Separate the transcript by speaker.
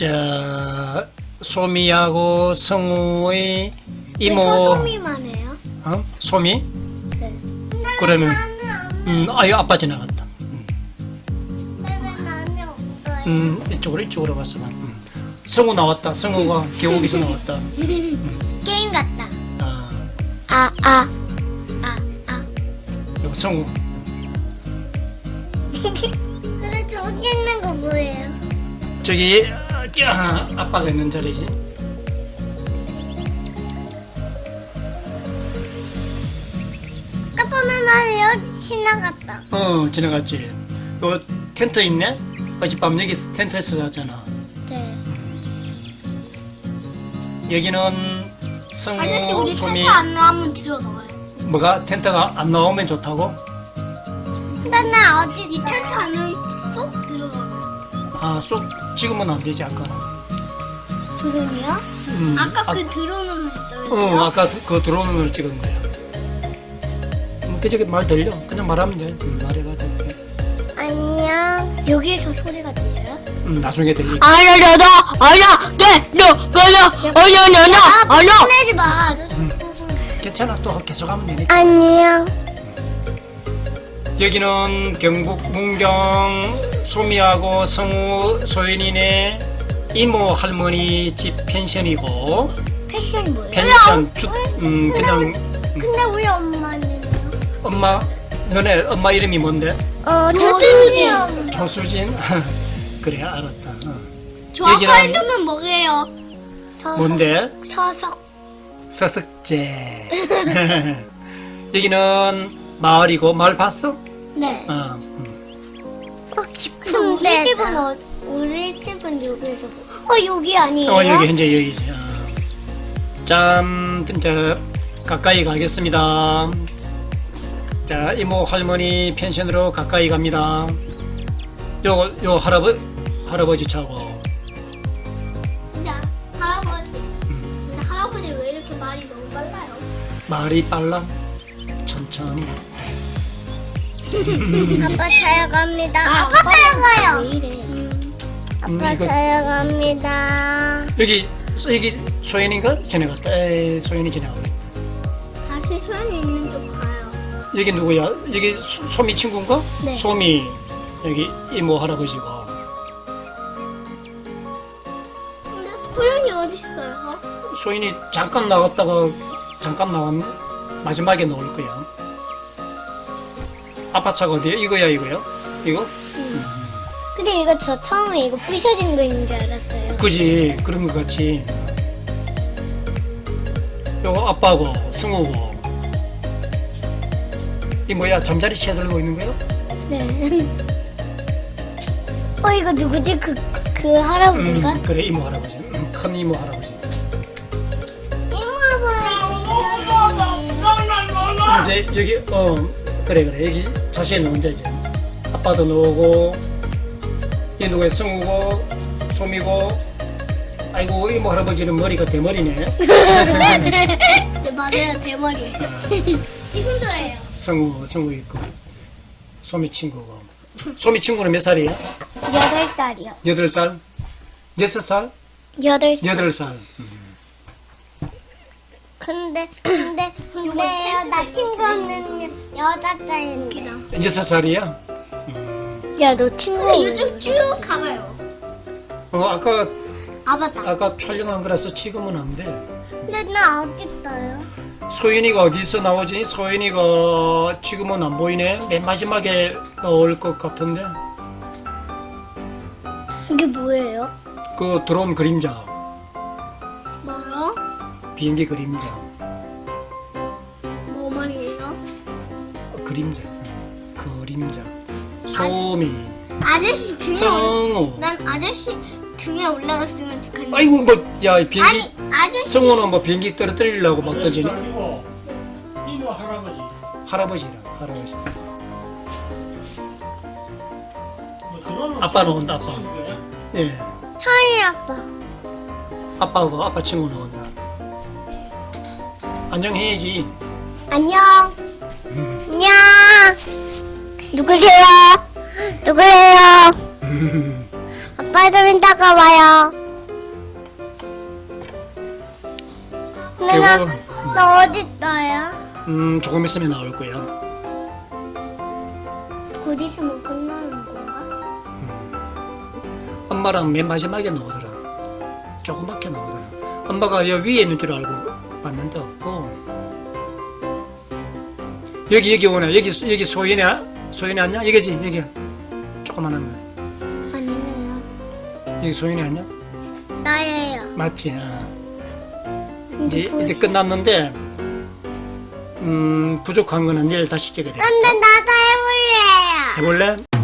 Speaker 1: 자, 소미하고 성우의
Speaker 2: 왜
Speaker 1: 이모.
Speaker 2: 서소미만 해요?
Speaker 1: 어? 소미?
Speaker 2: 네.
Speaker 1: 그러면 아유 아빠 지나갔다.
Speaker 2: 왜 나는 없어요?
Speaker 1: 이쪽으로 가서 봐. 성우 나왔다. 성우가 계곡에서 나왔다.
Speaker 2: 게임 같다.
Speaker 1: 아, 이거 성우.
Speaker 2: 근데 저기 있는 거 뭐예요?
Speaker 1: 저기 아빠가 있는 자리지.
Speaker 2: 아까 전에 나 여기 지나갔다.
Speaker 1: 지나갔지. 요 텐트 있네. 어젯밤 여기 텐트에서 잤잖아.
Speaker 2: 네.
Speaker 1: 여기는
Speaker 2: 아저씨
Speaker 1: 성우
Speaker 2: 우리
Speaker 1: 소미.
Speaker 2: 텐트 안 나오면 들어가요.
Speaker 1: 뭐가 텐트가 안 나오면 좋다고?
Speaker 2: 근데 나 아직 이 텐트 안에 있어? 들어가요.
Speaker 1: 아, 쏙 지금은 안 되지 아까.
Speaker 2: 드론이요? 아까 그 드론으로 했어요.
Speaker 1: 아까 그 드론을 찍은 거야. 그저기 말 들려? 그냥 말하면 돼. 말해봐 돼.
Speaker 2: 안녕. 여기에서 소리가 들려요?
Speaker 1: 나중에 들리.
Speaker 2: 혼내지 마.
Speaker 1: 괜찮아, 또 계속 하면 되니까.
Speaker 2: 안녕.
Speaker 1: 여기는 경북 문경 소미하고 성우 소연이네 이모 할머니 집 펜션이고.
Speaker 2: 패션이 뭐예요?
Speaker 1: 펜션 그냥
Speaker 2: 근데 우리 엄마는요?
Speaker 1: 엄마 너네 엄마 이름이 뭔데?
Speaker 2: 조수진.
Speaker 1: 조수진. 그래 알았다.
Speaker 2: 저
Speaker 1: 여기는-
Speaker 2: 아빠 이름은 뭐예요?
Speaker 1: 뭔데?
Speaker 2: 서석.
Speaker 1: 서석제. 여기는 마을이고 마을 봤어?
Speaker 2: 네. 근데 우리 집은 여기서 여기 아니에요?
Speaker 1: 여기 현재 여기지. 짠, 진짜 가까이 가겠습니다. 자, 이모 할머니 펜션으로 가까이 갑니다. 요 할아버지 차고.
Speaker 2: 근데 할아버지 왜 이렇게 말이 너무 빨라요?
Speaker 1: 말이 빨라. 천천히.
Speaker 2: 아빠 찾아갑니다. 아빠 찾아가요. 왜 이래? 아빠
Speaker 1: 이거-
Speaker 2: 찾아갑니다.
Speaker 1: 여기 소연이가 지나갔다. 소연이 지나가고.
Speaker 2: 다시 소연이 있는 쪽 가요.
Speaker 1: 여기 누구야? 여기 소미 친구인가?
Speaker 2: 네.
Speaker 1: 소미. 여기 이모 할아버지고.
Speaker 2: 근데 소연이 어디 있어요?
Speaker 1: 소연이 잠깐 나갔다가 잠깐 나왔네. 마지막에 나올 거야. 아빠 차가 어디야? 이거야? 이거?
Speaker 2: 근데 이거 저 처음에 이거 부셔진 거인 줄 알았어요.
Speaker 1: 그지? 그런 거 같지. 요거 아빠고 승우고. 이 뭐야? 잠자리 채들고 있는 거야?
Speaker 2: 네. 이거 누구지? 그 할아버지인가?
Speaker 1: 그래 이모 할아버지. 큰 이모 할아버지. 이제 여기 그래 여기 자세히 넣으면 되지. 아빠도 넣고 이 누구야? 승우고 소미고. 아이고 이모 할아버지는 머리가 대머리네.
Speaker 2: 네, 맞아요. 대머리예요. 지금 저예요.
Speaker 1: 성우 있고 소미 친구고. 소미 친구는 몇 살이야?
Speaker 2: 8살이요.
Speaker 1: 8살? 6살?
Speaker 2: 8살.
Speaker 1: 8살.
Speaker 2: 근데 나 친구는 6살인데.
Speaker 1: 6살이야?
Speaker 2: 야, 너 친구. 요즘 쭉 가봐요.
Speaker 1: 아까
Speaker 2: 맞다.
Speaker 1: 촬영한 거라서 지금은 안 돼.
Speaker 2: 근데 나 어디 있어요?
Speaker 1: 소연이가 어디서 나오지? 소연이가 지금은 안 보이네. 맨 마지막에 나올 것 같은데.
Speaker 2: 이게 뭐예요?
Speaker 1: 그 드론 그림자,
Speaker 2: 뭐요?
Speaker 1: 비행기 그림자,
Speaker 2: 뭐 말이에요?
Speaker 1: 그림자. 소미,
Speaker 2: 아저씨 등에
Speaker 1: 성우.
Speaker 2: 난 아저씨 등에 올라갔으면 좋겠는데.
Speaker 1: 아이고 뭐야 비행기.
Speaker 2: 아저씨.
Speaker 1: 성우는 뭐 비행기 떨어뜨리려고 막 던지네.
Speaker 3: 이모 할아버지.
Speaker 1: 할아버지.
Speaker 3: 뭐 그거는
Speaker 1: 아빠는 온다, 아빠.
Speaker 3: 찍은 거야?
Speaker 1: 예,
Speaker 2: 하이 아빠.
Speaker 1: 아빠하고 아빠 친구 나온다. 안녕해야지.
Speaker 2: 안녕. 안녕. 누구세요? 아빠 좀 이따가 와요.
Speaker 1: 되고
Speaker 2: 나 어디 있어요?
Speaker 1: 조금 있으면 나올 거야.
Speaker 2: 곧 있으면 끝나는 건가?
Speaker 1: 엄마랑 맨 마지막에 나오더라. 조그맣게 나오더라. 엄마가 여기 위에 있는 줄 알고 봤는데 없고. 여기 오네. 여기 소연이 아니야? 여기지 여기. 조그만한 거.
Speaker 2: 아니에요.
Speaker 1: 여기 소연이 아니야?
Speaker 2: 나예요.
Speaker 1: 맞지? 이제 끝났는데 부족한 거는 내일 다시 찍어야 돼.
Speaker 2: 근데 나도 해볼래요.
Speaker 1: 해볼래?